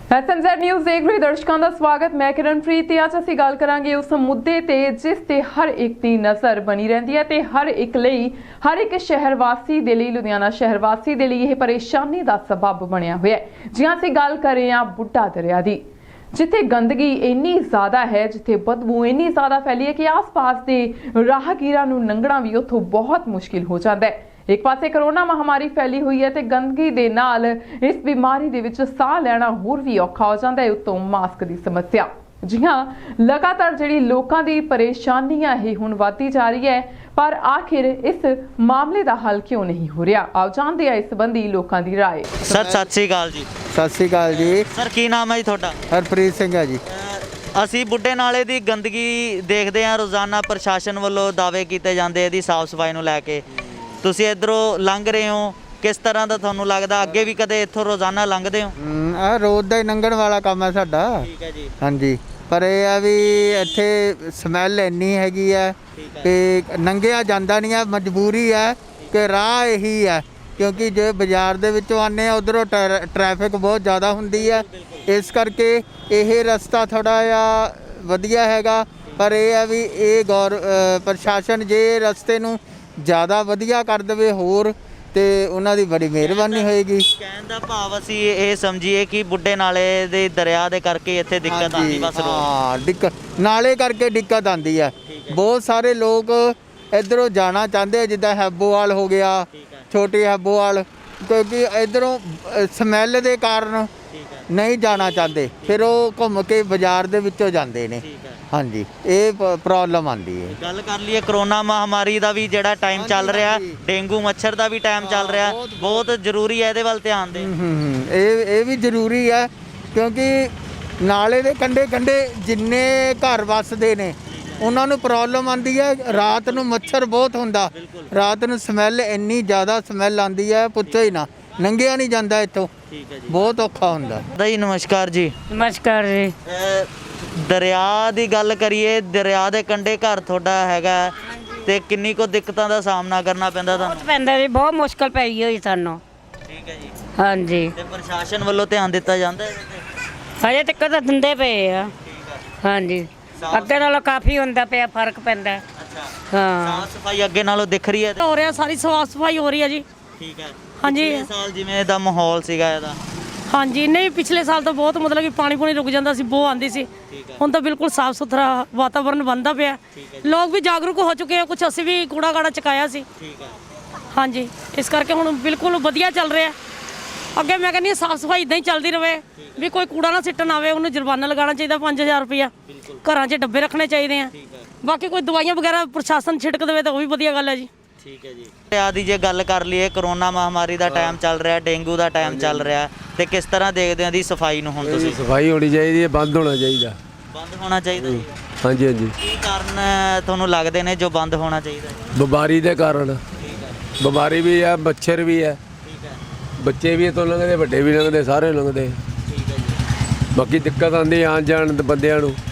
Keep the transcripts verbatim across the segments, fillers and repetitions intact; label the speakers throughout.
Speaker 1: S M Z news देख रहे दर्शकों का स्वागत। मैं किरणप्रीत। अज असीं गल करांगे उस मुद्दे ते जिस ते हर एक दी नज़र बनी रहिंदी है ते हर एक लई हर एक शहर वासी दे लई लुधियाना शहर वासी दे लई यह परेशानी का सबब बनिया होया है। जी असीं गल कर रहे हां बुड्ढा दरिया दी, जिथे गंदगी इन्नी ज़्यादा है, जिथे बदबू इन्नी ज़्यादा फैली है कि आस पास के राहगीरां नूं लंघना भी उत्थों बहुत मुश्किल हो जाता है। एक पासे कोरोना महामारी फैली हुई है तो गंदगी दे नाल इस बीमारी दे विच साह लैना होर भी औखा हो जाता है। उत्तों मास्क की समस्या, जी हाँ, लगातार जिहड़ी लोकां दी परेशानियां ही हुण वधदी जा रही है, पर आखिर इस मामले का हल क्यों नहीं हो रहा? आओ जानते हैं इस संबंधी लोकां दी राय।
Speaker 2: सर सत श्री अकाल जी।
Speaker 3: सत श्री अकाल जी।
Speaker 2: सर की नाम है जी तुहाडा?
Speaker 3: हरप्रीत सिंह है जी।
Speaker 2: ਅਸੀਂ ਬੁੱਢੇ ਨਾਲੇ ਦੀ ਗੰਦਗੀ ਦੇਖਦੇ ਹਾਂ, ਰੋਜ਼ਾਨਾ ਪ੍ਰਸ਼ਾਸਨ ਵੱਲੋਂ ਦਾਅਵੇ ਕੀਤੇ ਜਾਂਦੇ ਇਹਦੀ ਸਾਫ਼ ਸਫਾਈ ਨੂੰ ਲੈ ਕੇ। ਤੁਸੀਂ ਇਧਰੋਂ ਲੰਘ ਰਹੇ ਹੋ, ਕਿਸ ਤਰ੍ਹਾਂ ਦਾ ਤੁਹਾਨੂੰ ਲੱਗਦਾ? ਅੱਗੇ ਵੀ ਕਦੇ ਇੱਥੋਂ ਰੋਜ਼ਾਨਾ ਲੰਘਦੇ ਹੋ?
Speaker 3: ਆ ਰੋਜ਼ ਦਾ ਹੀ ਲੰਘਣ ਵਾਲਾ ਕੰਮ ਹੈ ਸਾਡਾ।
Speaker 2: ਠੀਕ ਹੈ ਜੀ।
Speaker 3: ਹਾਂਜੀ, ਪਰ ਇਹ ਆ ਵੀ ਇੱਥੇ ਸਮੈਲ ਇੰਨੀ ਹੈਗੀ ਆ ਕਿ ਲੰਘਿਆ ਜਾਂਦਾ ਨਹੀਂ ਆ। ਮਜਬੂਰੀ ਹੈ ਕਿ ਰਾਹ ਇਹੀ ਹੈ, ਕਿਉਂਕਿ ਜੇ ਬਾਜ਼ਾਰ ਦੇ ਵਿੱਚੋਂ ਆਉਂਦੇ ਆ ਉਧਰੋਂ ਟ੍ਰੈਫਿਕ ਬਹੁਤ ਜ਼ਿਆਦਾ ਹੁੰਦੀ ਹੈ, ਇਸ ਕਰਕੇ ਇਹ ਰਸਤਾ ਥੋੜ੍ਹਾ ਜਿਹਾ ਵਧੀਆ ਹੈਗਾ। ਪਰ ਇਹ ਆ ਵੀ ਇਹ ਗੌਰ ਪ੍ਰਸ਼ਾਸਨ ਜੇ ਰਸਤੇ ਨੂੰ ਜ਼ਿਆਦਾ ਵਧੀਆ ਕਰ ਦੇਵੇ ਹੋਰ ਤੇ ਉਹਨਾਂ ਦੀ ਬੜੀ ਮਿਹਰਬਾਨੀ ਹੋਏਗੀ।
Speaker 2: ਕਹਿਣ ਦਾ ਭਾਵ ਅਸੀਂ ਇਹ ਸਮਝੀਏ ਕਿ ਬੁੱਢੇ ਨਾਲੇ ਦੇ ਦਰਿਆ ਦੇ ਕਰਕੇ ਇੱਥੇ ਦਿੱਕਤ ਆਉਂਦੀ, ਬਸ
Speaker 3: ਹਾਂ ਦਿੱਕਤ ਨਾਲੇ ਕਰਕੇ ਦਿੱਕਤ ਆਉਂਦੀ ਹੈ। ਬਹੁਤ ਸਾਰੇ ਲੋਕ ਇੱਧਰੋਂ ਜਾਣਾ ਚਾਹੁੰਦੇ, ਜਿੱਦਾਂ ਹੈਬੋਵਾਲ ਹੋ ਗਿਆ, ਛੋਟੀ ਹੈਬੋਵਾਲ, ਕਿਉਂਕਿ ਇੱਧਰੋਂ ਸਮੈਲ ਦੇ ਕਾਰਨ ਨਹੀਂ ਜਾਣਾ ਚਾਹੁੰਦੇ, ਫਿਰ ਉਹ ਘੁੰਮ ਕੇ ਬਾਜ਼ਾਰ ਦੇ ਵਿੱਚੋਂ ਜਾਂਦੇ ਨੇ। ਹਾਂਜੀ, ਇਹ ਪ੍ਰੋਬਲਮ ਆਉਂਦੀ ਹੈ।
Speaker 2: ਗੱਲ ਕਰ ਲਈਏ ਕਰੋਨਾ ਮਹਾਮਾਰੀ ਦਾ ਵੀ ਜਿਹੜਾ ਟਾਈਮ ਚੱਲ ਰਿਹਾ, ਡੇਂਗੂ ਮੱਛਰ ਦਾ ਵੀ ਟਾਈਮ ਚੱਲ ਰਿਹਾ, ਬਹੁਤ ਜ਼ਰੂਰੀ ਹੈ ਇਹਦੇ ਵੱਲ ਧਿਆਨ ਦੇ।
Speaker 3: ਇਹ ਇਹ ਵੀ ਜ਼ਰੂਰੀ ਹੈ, ਕਿਉਂਕਿ ਨਾਲੇ ਦੇ ਕੰਢੇ ਕੰਢੇ ਜਿੰਨੇ ਘਰ ਵੱਸਦੇ ਨੇ ਉਹਨਾਂ ਨੂੰ ਪ੍ਰੋਬਲਮ ਆਉਂਦੀ ਹੈ। ਰਾਤ ਨੂੰ ਮੱਛਰ ਬਹੁਤ ਹੁੰਦਾ, ਰਾਤ ਨੂੰ ਸਮੈਲ ਇੰਨੀ ਜ਼ਿਆਦਾ ਸਮੈਲ ਆਉਂਦੀ ਹੈ, ਪੁੱਛੋ ਹੀ ਨਾ, ਲੰਘਿਆ ਨਹੀਂ ਜਾਂਦਾ ਇੱਥੋਂ। ਠੀਕ ਹੈ ਜੀ, ਬਹੁਤ ਔਖਾ ਹੁੰਦਾ।
Speaker 2: ਜੀ ਨਮਸਕਾਰ ਜੀ।
Speaker 4: ਨਮਸਕਾਰ ਜੀ।
Speaker 2: ਦਰਿਆ ਦੀ ਗੱਲ ਕਰੀਏ, ਦਰਿਆ ਦੇ ਕੰਢੇ ਘਰ ਤੁਹਾਡਾ ਹੈਗਾ ਤੇ ਕਿੰਨੀ ਕੁ ਦਿੱਕਤਾਂ ਦਾ ਸਾਹਮਣਾ ਕਰਨਾ ਪੈਂਦਾ ਤੁਹਾਨੂੰ?
Speaker 4: ਬਹੁਤ ਪੈਂਦਾ ਜੀ, ਬਹੁਤ ਮੁਸ਼ਕਲ ਪਈ ਹੋਈ ਸਾਨੂੰ।
Speaker 2: ਠੀਕ ਹੈ ਜੀ।
Speaker 4: ਹਾਂਜੀ,
Speaker 2: ਤੇ ਪ੍ਰਸ਼ਾਸਨ ਵੱਲੋਂ ਧਿਆਨ ਦਿੱਤਾ ਜਾਂਦਾ ਹੈ ਇਹਦੇ ਤੇ?
Speaker 4: ਹਜੇ ਤੱਕ ਤਾਂ ਦਿੰਦੇ ਪਏ ਆ। ਹਾਂਜੀ, ਅੱਗੇ ਨਾਲੋਂ ਕਾਫੀ ਹੁੰਦਾ ਪਿਆ, ਫਰਕ ਪੈਂਦਾ।
Speaker 2: ਅੱਛਾ,
Speaker 4: ਹਾਂ,
Speaker 2: ਸਾਫ ਸਫਾਈ ਅੱਗੇ ਨਾਲੋਂ ਦਿਖ ਰਹੀ ਹੈ?
Speaker 4: ਹੋ ਰਿਹਾ, ਸਾਰੀ ਸਾਫ ਸਫਾਈ ਹੋ ਰਹੀ ਹੈ ਜੀ।
Speaker 2: ਠੀਕ ਹੈ।
Speaker 4: ਹਾਂਜੀ।
Speaker 2: ਪਿਛਲੇ ਸਾਲ ਜਿਵੇਂ ਦਾ ਮਾਹੌਲ ਸੀਗਾ ਇਹਦਾ?
Speaker 4: ਹਾਂਜੀ, ਨਹੀਂ ਪਿਛਲੇ ਸਾਲ ਤਾਂ ਬਹੁਤ ਮਤਲਬ ਕਿ ਪਾਣੀ ਪੂਣੀ ਰੁਕ ਜਾਂਦਾ ਸੀ, ਬੋ ਆਉਂਦੀ ਸੀ। ਹੁਣ ਤਾਂ ਬਿਲਕੁਲ ਸਾਫ ਸੁਥਰਾ ਵਾਤਾਵਰਨ ਬਣਦਾ ਪਿਆ, ਲੋਕ ਵੀ ਜਾਗਰੂਕ ਹੋ ਚੁੱਕੇ ਆ। ਕੁਝ ਅਸੀਂ ਵੀ ਕੂੜਾ ਕਾੜਾ ਚੁਕਾਇਆ ਸੀ।
Speaker 2: ਠੀਕ ਹੈ।
Speaker 4: ਹਾਂਜੀ, ਇਸ ਕਰਕੇ ਹੁਣ ਬਿਲਕੁਲ ਵਧੀਆ ਚੱਲ ਰਿਹਾ। ਅੱਗੇ ਮੈਂ ਕਹਿੰਦੀ ਸਾਫ ਸਫਾਈ ਇਦਾਂ ਹੀ ਚੱਲਦੀ ਰਹੇ, ਵੀ ਕੋਈ ਕੂੜਾ ਨਾ ਸਿੱਟਣ ਆਵੇ, ਉਹਨੂੰ ਜੁਰਮਾਨਾ ਲਗਾਉਣਾ ਚਾਹੀਦਾ ਪੰਜ ਹਜ਼ਾਰ ਰੁਪਇਆ। ਘਰਾਂ 'ਚ ਡੱਬੇ ਰੱਖਣੇ ਚਾਹੀਦੇ ਆ। ਬਾਕੀ ਕੋਈ ਦਵਾਈਆਂ ਵਗੈਰਾ ਪ੍ਰਸ਼ਾਸਨ ਛਿੜਕ ਦੇਵੇ ਤਾਂ ਉਹ ਵੀ ਵਧੀਆ ਗੱਲ ਹੈ ਜੀ।
Speaker 2: ਠੀਕ ਹੈ ਜੀ। ਦਰਿਆ ਦੀ ਜੇ ਗੱਲ ਕਰ ਲਈਏ, ਕਰੋਨਾ ਮਹਾਮਾਰੀ ਦਾ ਟਾਈਮ ਚੱਲ ਰਿਹਾ, ਡੇਂਗੂ ਦਾ ਟਾਈਮ ਚੱਲ ਰਿਹਾ, ਤੇ ਕਿਸ ਤਰ੍ਹਾਂ ਦੇਖਦੇ ਹੋ ਦੀ ਸਫਾਈ ਨੂੰ? ਹੁਣ ਤੁਸੀਂ
Speaker 5: ਸਫਾਈ ਹੋਣੀ ਚਾਹੀਦੀ ਹੈ, ਬੰਦ ਹੋਣਾ ਚਾਹੀਦਾ।
Speaker 2: ਬੰਦ ਹੋਣਾ ਚਾਹੀਦਾ ਜੀ?
Speaker 5: ਹਾਂਜੀ ਹਾਂਜੀ।
Speaker 2: ਕੀ ਕਾਰਨ ਤੁਹਾਨੂੰ ਲੱਗਦੇ ਨੇ ਜੋ ਬੰਦ ਹੋਣਾ ਚਾਹੀਦਾ?
Speaker 5: ਬਿਮਾਰੀ ਦੇ ਕਾਰਨ।
Speaker 2: ਠੀਕ ਹੈ।
Speaker 5: ਬਿਮਾਰੀ ਵੀ ਹੈ, ਮੱਛਰ ਵੀ ਹੈ,
Speaker 2: ਠੀਕ ਹੈ।
Speaker 5: ਬੱਚੇ ਵੀ ਇੱਥੋਂ ਲੰਘਦੇ, ਵੱਡੇ ਵੀ ਲੰਘਦੇ, ਸਾਰੇ ਲੰਘਦੇ।
Speaker 2: ਠੀਕ ਹੈ ਜੀ।
Speaker 5: ਬਾਕੀ ਦਿੱਕਤ ਆਉਂਦੀ ਆਉਣ ਜਾਣ ਦੇ ਬੰਦਿਆਂ ਨੂੰ,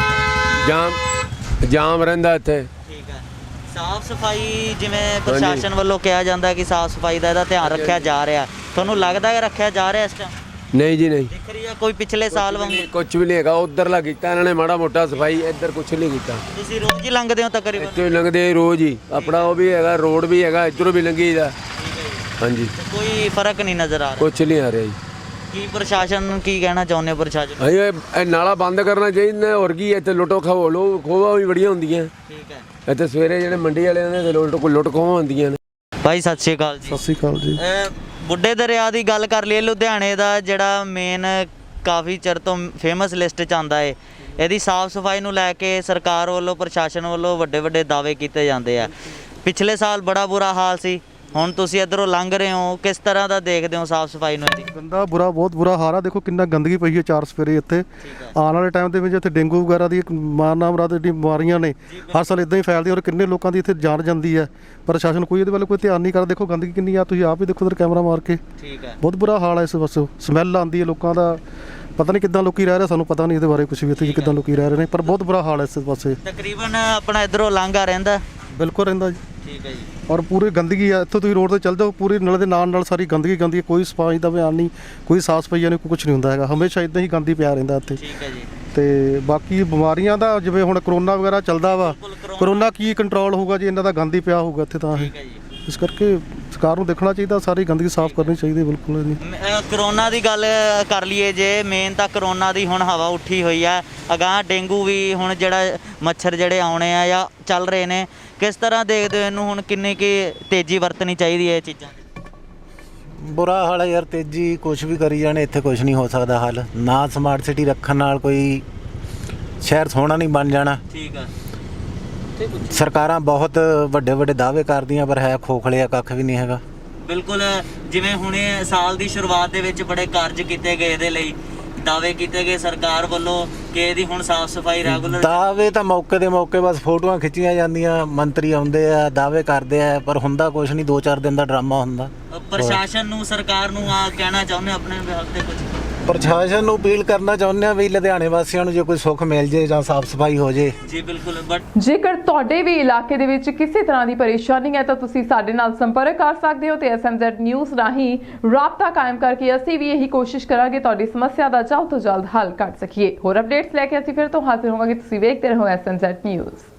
Speaker 5: ਜਾਮ ਜਾਮ ਰਹਿੰਦਾ ਇੱਥੇ।
Speaker 2: ਠੀਕ ਹੈ। ਸਾਫ ਸਫਾਈ ਜਿਵੇਂ ਪ੍ਰਸ਼ਾਸਨ ਵੱਲੋਂ ਕਿਹਾ ਜਾਂਦਾ ਕਿ ਸਾਫ ਸਫਾਈ ਦਾ ਇਹਦਾ ਧਿਆਨ ਰੱਖਿਆ ਜਾ ਰਿਹਾ, ਤੁਹਾਨੂੰ ਲੱਗਦਾ ਹੈ ਰੱਖਿਆ ਜਾ ਰਿਹਾ ਇਸ ਟਾਈਮ?
Speaker 5: ਨਹੀਂ ਜੀ, ਨਹੀਂ
Speaker 2: ਦਿਖ ਰਹੀ ਹੈ ਕੋਈ ਪਿਛਲੇ ਸਾਲ ਵਾਂਗੂ?
Speaker 5: ਕੁਝ ਵੀ ਨਹੀਂ ਹੈਗਾ। ਉੱਧਰਲਾ ਕੀਤਾ ਇਹਨਾਂ ਨੇ ਮਾੜਾ ਮੋਟਾ ਸਫਾਈ, ਇੱਧਰ ਕੁਝ ਨਹੀਂ ਕੀਤਾ।
Speaker 2: ਤੁਸੀਂ ਰੋਜ਼ ਹੀ ਲੰਘਦੇ ਹੋ ਤਕਰੀਬਨ?
Speaker 5: ਇੱਥੋਂ ਹੀ ਲੰਘਦੇ ਰੋਜ਼ ਹੀ, ਆਪਣਾ ਉਹ ਵੀ ਹੈਗਾ, ਰੋਡ ਵੀ ਹੈਗਾ, ਇੱਧਰੋਂ ਵੀ ਲੰਘੀਦਾ। ਹਾਂਜੀ,
Speaker 2: ਕੋਈ ਫਰਕ ਨਹੀਂ ਨਜ਼ਰ ਆ ਰਿਹਾ?
Speaker 5: ਕੁਝ ਨਹੀਂ ਆ ਰਿਹਾ ਜੀ।
Speaker 2: ਕੀ ਪ੍ਰਸ਼ਾਸਨ ਨੂੰ ਕੀ ਕਹਿਣਾ ਚਾਹੁੰਦੇ ਹੋ? ਪ੍ਰਸ਼ਾਸਨ
Speaker 5: ਹਾਂਜੀ, ਇਹ ਨਾਲਾ ਬੰਦ ਕਰਨਾ ਚਾਹੀਦਾ। ਹੋਰ ਕੀ ਇੱਥੇ ਲੁੱਟੋ ਖੋਹ ਲੋ ਖੋਵਾ ਵੀ ਬੜੀਆਂ ਹੁੰਦੀਆਂ।
Speaker 2: ਠੀਕ ਹੈ।
Speaker 5: ਇੱਥੇ ਸਵੇਰੇ ਜਿਹੜੇ ਮੰਡੀ ਵਾਲਿਆਂ ਦੇ ਲੁੱਟ ਲੁੱਟ ਖੋਹਾਂ ਹੁੰਦੀਆਂ ਨੇ।
Speaker 2: ਭਾਈ ਸਤਿ ਸ਼੍ਰੀ ਅਕਾਲ ਜੀ।
Speaker 6: ਸਤਿ ਸ਼੍ਰੀ ਅਕਾਲ ਜੀ।
Speaker 2: ਬੁੱਢੇ ਦਰਿਆ ਦੀ ਗੱਲ ਕਰ ਲਈਏ, ਲੁਧਿਆਣੇ ਦਾ ਜਿਹੜਾ ਮੇਨ ਕਾਫੀ ਚਿਰ ਤੋਂ ਫੇਮਸ ਲਿਸਟ 'ਚ ਆਉਂਦਾ ਹੈ। ਇਹਦੀ ਸਾਫ਼ ਸਫਾਈ ਨੂੰ ਲੈ ਕੇ ਸਰਕਾਰ ਵੱਲੋਂ, ਪ੍ਰਸ਼ਾਸਨ ਵੱਲੋਂ ਵੱਡੇ ਵੱਡੇ ਦਾਅਵੇ ਕੀਤੇ ਜਾਂਦੇ ਆ। ਪਿਛਲੇ ਸਾਲ ਬੜਾ ਬੁਰਾ ਹਾਲ ਸੀ, ਹੁਣ ਤੁਸੀਂ ਇੱਧਰੋਂ ਲੰਘ ਰਹੇ ਹੋ, ਕਿਸ ਤਰ੍ਹਾਂ ਦਾ ਦੇਖਦੇ ਹੋ ਸਾਫ਼ ਸਫਾਈ ਨੂੰ? ਇਹਦੀ
Speaker 6: ਗੰਦਾ ਬੁਰਾ, ਬਹੁਤ ਬੁਰਾ ਹਾਲ ਆ। ਦੇਖੋ ਕਿੰਨਾ ਗੰਦਗੀ ਪਈ ਹੈ ਚਾਰ ਸਵੇਰੇ ਇੱਥੇ। ਆਉਣ ਵਾਲੇ ਟਾਈਮ ਦੇ ਵਿੱਚ ਇੱਥੇ ਡੇਂਗੂ ਵਗੈਰਾ ਦੀ ਮਾਰ ਨਾਮਰਾਦ ਦੀ ਬਿਮਾਰੀਆਂ ਨੇ, ਹਰ ਸਾਲ ਇਦਾਂ ਹੀ ਫੈਲਦੀਆਂ, ਔਰ ਕਿੰਨੇ ਲੋਕਾਂ ਦੀ ਇੱਥੇ ਜਾਨ ਜਾਂਦੀ ਹੈ। ਪ੍ਰਸ਼ਾਸਨ ਕੋਈ ਇਹਦੇ ਵੱਲ ਕੋਈ ਧਿਆਨ ਨਹੀਂ ਕਰਦਾ। ਦੇਖੋ ਗੰਦਗੀ ਕਿੰਨੀ ਆ, ਤੁਸੀਂ ਆਪ ਹੀ ਦੇਖੋ, ਉਧਰ ਕੈਮਰਾ ਮਾਰ ਕੇ।
Speaker 2: ਠੀਕ ਹੈ।
Speaker 6: ਬਹੁਤ ਬੁਰਾ ਹਾਲ ਹੈ ਇਸ ਪਾਸੇ, ਸਮੈਲ ਆਉਂਦੀ ਹੈ ਲੋਕਾਂ ਦਾ। ਪਤਾ ਨਹੀਂ ਕਿੱਦਾਂ ਲੋਕੀ ਰਹਿ ਰਹੇ, ਸਾਨੂੰ ਪਤਾ ਨਹੀਂ ਇਹਦੇ ਬਾਰੇ ਕੁਝ ਵੀ, ਇੱਥੇ ਕਿੱਦਾਂ ਲੋਕੀ ਰਹਿ ਰਹੇ ਨੇ, ਪਰ ਬਹੁਤ ਬੁਰਾ ਹਾਲ ਹੈ ਇਸ ਪਾਸੇ।
Speaker 2: ਤਕਰੀਬਨ ਆਪਣਾ ਇੱਧਰੋਂ ਲਾਂਘਾ ਰਹਿੰਦਾ?
Speaker 6: ਬਿਲਕੁਲ ਰਹਿੰਦਾ ਜੀ।
Speaker 2: ਠੀਕ ਹੈ ਜੀ।
Speaker 6: ਔਰ ਪੂਰੀ ਗੰਦਗੀ ਆ, ਇੱਥੋਂ ਤੁਸੀਂ ਰੋਡ ਤੇ ਚੱਲ ਜਾਓ ਪੂਰੀ ਨਲੇ ਦੇ ਨਾਲ ਨਾਲ ਸਾਰੀ ਗੰਦਗੀ ਗੰਦੀ ਹੈ, ਕੋਈ ਸਫਾਈ ਦਾ ਬਿਆਨ ਨਹੀਂ, ਕੋਈ ਸਾਫ ਸਫਾਈ ਨਹੀਂ, ਕੁਝ ਨਹੀਂ ਹੁੰਦਾ ਹੈਗਾ, ਹਮੇਸ਼ਾ ਇਦਾਂ ਹੀ ਗੰਦੀ ਪਿਆ ਰਹਿੰਦਾ ਇੱਥੇ।
Speaker 2: ਠੀਕ ਹੈ ਜੀ।
Speaker 6: ਤੇ ਬਾਕੀ ਬਿਮਾਰੀਆਂ ਦਾ ਜਿਵੇਂ ਹੁਣ ਕਰੋਨਾ ਵਗੈਰਾ ਚੱਲਦਾ ਵਾ, ਕਰੋਨਾ ਕੀ ਕੰਟਰੋਲ ਹੋਊਗਾ ਜੀ ਇਹਨਾਂ ਦਾ ਗੰਦ ਹੀ ਪਿਆ ਹੋਊਗਾ ਇੱਥੇ ਤਾਂ।
Speaker 2: ਠੀਕ ਹੈ ਜੀ।
Speaker 6: ਇਸ ਕਰਕੇ ਸਰਕਾਰ ਨੂੰ ਦੇਖਣਾ ਚਾਹੀਦਾ, ਸਾਰੀ ਗੰਦਗੀ ਸਾਫ਼ ਕਰਨੀ ਚਾਹੀਦੀ ਬਿਲਕੁਲ ਜੀ।
Speaker 2: ਮ- ਅ, ਕਰੋਨਾ ਦੀ ਗੱਲ ਕਰ ਲਈਏ ਜੇ, ਮੇਨ ਤਾਂ ਕਰੋਨਾ ਦੀ ਹੁਣ ਹਵਾ ਉੱਠੀ ਹੋਈ ਹੈ, ਅਗਾਂਹ ਡੇਂਗੂ ਵੀ ਹੁਣ ਜਿਹੜਾ ਮੱਛਰ ਜਿਹੜੇ ਆਉਣੇ ਆ ਜਾਂ ਚੱਲ ਰਹੇ ਨੇ, ਕਿਸ ਤਰ੍ਹਾਂ ਦੇਖਦੇ ਹੋ ਇਹਨੂੰ, ਹੁਣ ਕਿੰਨੀ ਕੀ ਤੇਜ਼ੀ ਵਰਤਣੀ ਚਾਹੀਦੀ ਹੈ ਇਹ ਚੀਜ਼ਾਂ ਦੀ?
Speaker 7: ਬੁਰਾ ਹਾਲ ਹੈ ਯਾਰ, ਤੇਜ਼ੀ ਕੁਝ ਵੀ ਕਰੀ ਜਾਣੇ, ਇੱਥੇ ਕੁਝ ਨਹੀਂ ਹੋ ਸਕਦਾ ਹੱਲ। ਨਾ ਸਮਾਰਟ ਸਿਟੀ ਰੱਖਣ ਨਾਲ ਕੋਈ ਸ਼ਹਿਰ ਸੋਹਣਾ ਨਹੀਂ ਬਣ ਜਾਣਾ।
Speaker 2: ਠੀਕ ਆ।
Speaker 7: ਸਰਕਾਰਾਂ ਬਹੁਤ ਵੱਡੇ ਵੱਡੇ ਦਾਅਵੇ ਕਰਦੀਆਂ ਪਰ ਹੈ ਖੋਖਲੇ ਆ, ਕੱਖ ਵੀ ਨਹੀਂ ਹੈਗਾ।
Speaker 2: ਬਿਲਕੁਲ, ਜਿਵੇਂ ਹੁਣੇ ਸਾਲ ਦੀ ਸ਼ੁਰੂਆਤ ਦੇ ਵਿੱਚ ਬੜੇ ਕਾਰਜ ਕੀਤੇ ਗਏ ਇਹਦੇ ਲਈ, ਦਾਅਵੇ ਕੀਤੇ ਗਏ ਸਰਕਾਰ ਵੱਲੋਂ ਕਿ ਇਹਦੀ ਹੁਣ ਸਾਫ਼ ਸਫਾਈ ਰੈਗੂਲਰ।
Speaker 7: ਦਾਅਵੇ ਤਾਂ ਮੌਕੇ ਦੇ ਮੌਕੇ ਬਸ ਫੋਟੋਆਂ ਖਿੱਚੀਆਂ ਜਾਂਦੀਆਂ, ਮੰਤਰੀ ਆਉਂਦੇ ਆ ਦਾਅਵੇ ਕਰਦੇ ਆ ਪਰ ਹੁੰਦਾ ਕੁਝ ਨਹੀਂ, ਦੋ ਚਾਰ ਦਿਨ ਦਾ ਡਰਾਮਾ ਹੁੰਦਾ।
Speaker 2: ਪ੍ਰਸ਼ਾਸਨ ਨੂੰ, ਸਰਕਾਰ ਨੂੰ ਆ ਕਹਿਣਾ ਚਾਹੁੰਦੇ ਆਪਣੇ ਵਿਭਾਗ ਤੇ ਕੁਝ?
Speaker 7: ਪ੍ਰਸ਼ਾਸਨ ਨੂੰ ਅਪੀਲ ਕਰਨਾ ਚਾਹੁੰਦੇ ਆ ਵੀ ਲੁਧਿਆਣੇ ਵਾਸੀਆਂ ਨੂੰ ਜੇ ਕੋਈ ਸੁੱਖ ਮਿਲ ਜੇ ਜਾਂ ਸਾਫ਼ ਸਫਾਈ ਹੋ ਜੇ।
Speaker 2: ਜੀ ਬਿਲਕੁਲ। ਬਟ
Speaker 1: ਜੇਕਰ ਤੁਹਾਡੇ ਵੀ ਇਲਾਕੇ ਦੇ ਵਿੱਚ ਕਿਸੇ ਤਰ੍ਹਾਂ ਦੀ ਪਰੇਸ਼ਾਨੀ ਹੈ ਤਾਂ ਤੁਸੀਂ ਸਾਡੇ ਨਾਲ ਸੰਪਰਕ ਕਰ ਸਕਦੇ ਹੋ ਤੇ ਐਸ ਐਮ ਜ਼ੈਡ ਨਿਊਜ਼ ਰਾਹੀਂ ਰਾਬਤਾ ਕਾਇਮ ਕਰਕੇ ਅਸੀਂ ਵੀ ਇਹੀ ਕੋਸ਼ਿਸ਼ ਕਰਾਂਗੇ ਤੁਹਾਡੀ ਸਮੱਸਿਆ ਦਾ ਜਲਦ ਤੋਂ ਜਲਦ ਹੱਲ ਕਰ ਸਕੀਏ। ਹੋਰ ਅਪਡੇਟਸ ਲੈ ਕੇ ਅਸੀਂ ਫਿਰ ਤੋਂ ਹਾਜ਼ਰ ਹੋਵਾਂਗੇ। ਤੁਸੀਂ ਵੇਖਦੇ ਰਹੋ ਐਸ ਐਮ ਜ਼ੈਡ ਨਿਊਜ਼।